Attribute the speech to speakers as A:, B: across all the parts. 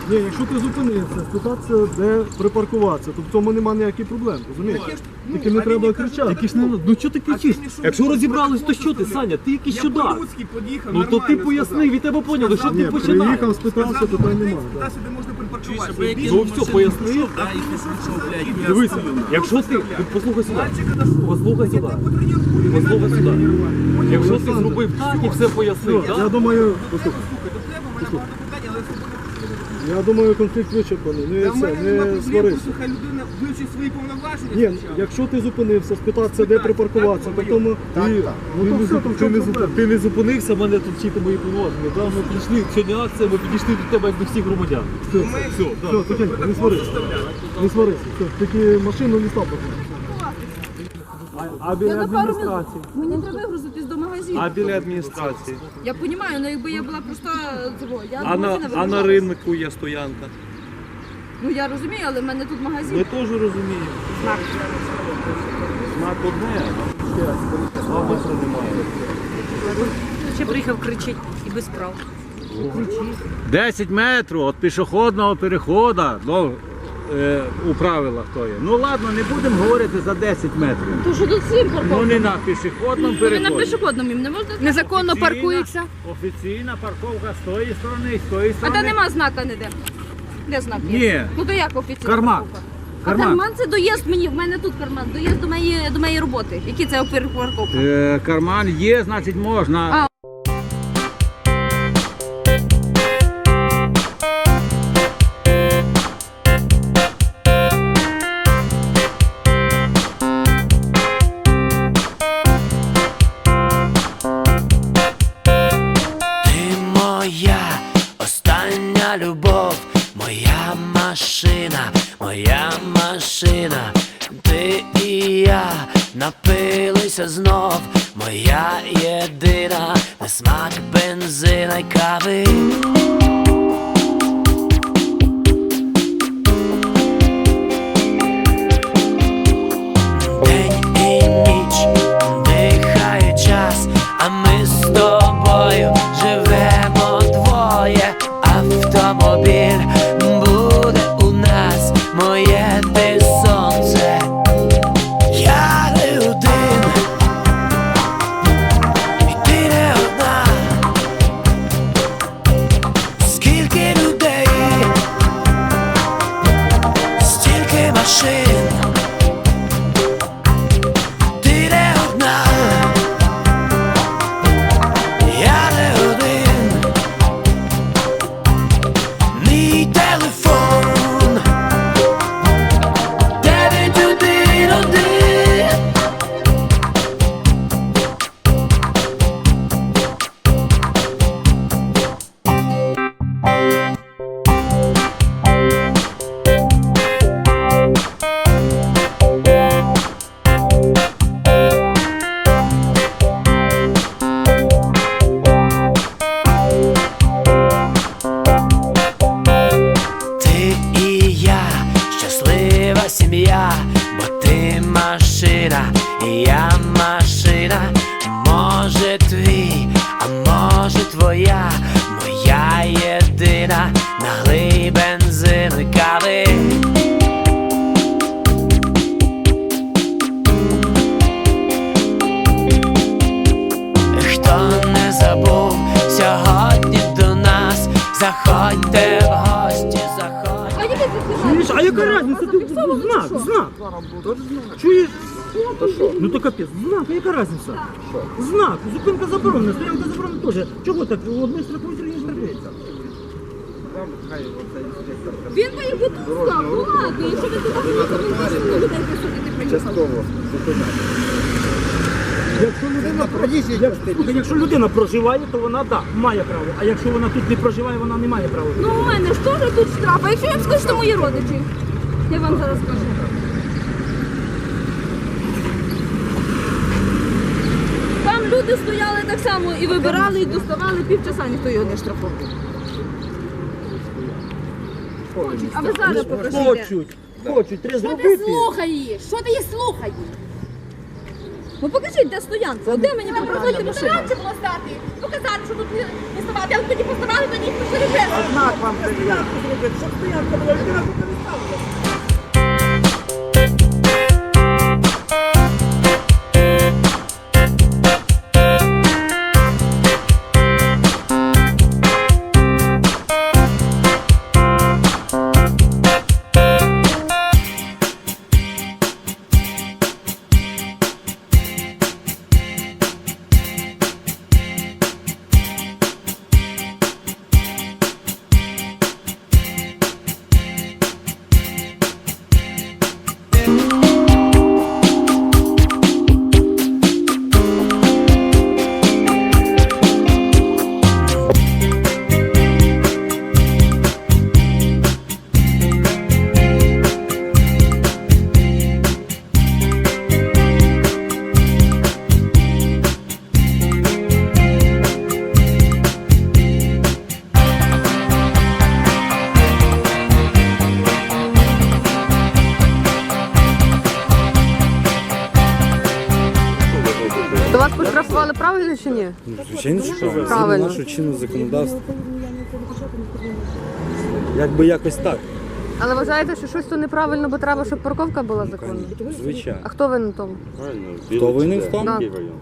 A: Ні, якщо ти зупинився, спитатися, де припаркуватися, то в цьому немає ніяких проблем, розумієш? Тільки не треба кричати.
B: Тільки ж не, ну чого ти кричиш? Якщо розібрались, то що ти, Саня? Ти якийсь сюди. Ну то ти пояснив, і тебе поняли, що
A: Ні,
B: ти починаєш.
A: приїхав, спитався, питань немає.
C: Туди-сюди можна припаркуватися.
B: Ну все, пояснив. Дивися, якщо ти, послухай сюди, послухай сюди, послухай сюди. Якщо ти зробив так і все пояснив,
A: Я
B: так?
A: думаю, послухай, я думаю, конфлікт вичерпаний, не сварися.
C: Хай людина вивчить свої повноваження.
A: Ні,
C: спочатку.
A: якщо ти зупинився, спитатися, де припаркуватися, то тому
B: Ти не зупинився мене тут вчити мої повноваження. Да? Ми прийшли, сьогодні акція, ми підійшли до тебе як до всіх громадян.
A: все, тихенько, не сварися. Не сварися, все, тільки машину не став.
B: А біля адміністрації?
D: Мені треба вигрузитись до магазину.
B: А біля адміністрації?
D: Я розумію, але якби я була просто я
B: А на ринку є стоянка?
D: Ну я розумію, але в мене тут магазин.
B: Ми теж розуміємо. Знак одне, а метра немає.
E: Ще приїхав кричить і без прав.
F: 10 метрів від пішохідного переходу у правилах то є. Ну ладно, не будемо говорити за 10 метрів.
D: То що тут всім
F: Ну
D: парковка?
F: не на пішохідному
D: На
F: переході.
D: пішохідному їм не можна?
E: Незаконно паркується.
F: Офіційна парковка з тої сторони і з тої
D: А
F: сторони.
D: де нема знака ніде? Де знак є?
F: Ні.
D: Ну то як офіційно?
F: Карман.
D: парковка?
F: Карман.
D: А карман це доїзд мені, в мене тут карман, доїзд до моєї роботи. Які це парковка?
F: Карман є, значить можна.
G: Ти моя остання любов, моя машина, ти і я напилися знов, моя єдина, на смак бензина й кави. День і ніч дихає час, а ми з тобою живемо двоє. Автомобіль буде у нас, моє ти сонце. Я не один, і ти не одна. Скільки людей, стільки машин. Ти не одна, я не один. Мій телефон 911. Ти і я, щаслива сім'я, бо ти машина, і я машина. Може твій, а може твоя, моя єдина, налий бензин і кави. Хто не забув сьогодні до нас, заходьте в гості, заходьте.
D: А які ти
B: Чуєш, а яка різниця? Ти знак. Чуєш? Ну то капець, знак, а яка різниця? Знак, зупинка заборонена, стоянка заборонена теж. Чого так? Одне штрафують, друге штрафується.
D: Він би їх тут став, ну ладно, якщо ви туди приїхали, він теж на людей присутити приїхав.
B: Якщо людина проживає, то вона так, має право. А якщо вона тут не проживає, вона не має права.
D: Ну у мене ж теж тут штраф, а якщо я вам скажу, що мої родичі? Я вам зараз скажу. Там люди стояли так само і вибирали, і доставали півчаса, ніхто його не штрафував. Хочуть, а ви зараз покажіть.
B: Хочуть, треба
D: Що ти
B: зробити.
D: слухаєш? Що ти її слухаєш? Ну покажіть, де стоянка, де мені показати машину? Раніше було стати, показати, що тут не ставати, але тоді поставали, тоді пішли вже.
B: Знак вам стоянку зробити, щоб стоянка була, людина тут не ставила.
H: То вас поштрафували правильно чи ні?
I: Звичайно, що
H: Правильно.
I: наше чинне законодавство. Якби якось так,
H: Але вважаєте, що щось тут неправильно, бо треба, щоб парковка була законна?
I: звичайно.
H: А хто винен в тому?
I: Хто винен в тому?
H: Да.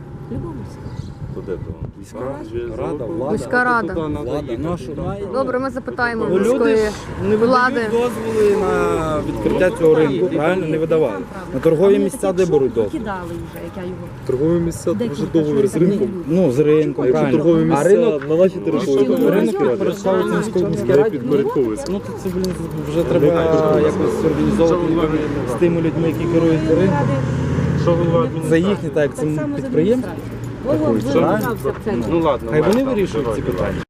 I: Рада, влада.
H: Міська рада.
I: Влада. Ну, а що?
H: Добре, ми запитаємо
I: Ну, люди
H: міської
I: ж не
H: влади.
I: видають дозволи на відкриття цього ринку, правильно? Не видавали. На торгові місця де беруть дозвіл?
E: Кидали вже, як я його.
A: Торгові місця вже договір з ринком.
I: Ну, з ринком, правильно. А ринок
A: на нашій території.
I: ринок підпорядковується міській раді.
A: Підпорядковується.
I: Ну, то це, блін, вже треба якось організовувати з тими людьми, які керують ринком. Це їхні, так як це підприємство.
E: Ну ладно.
I: Хай вони вирішують ці питання.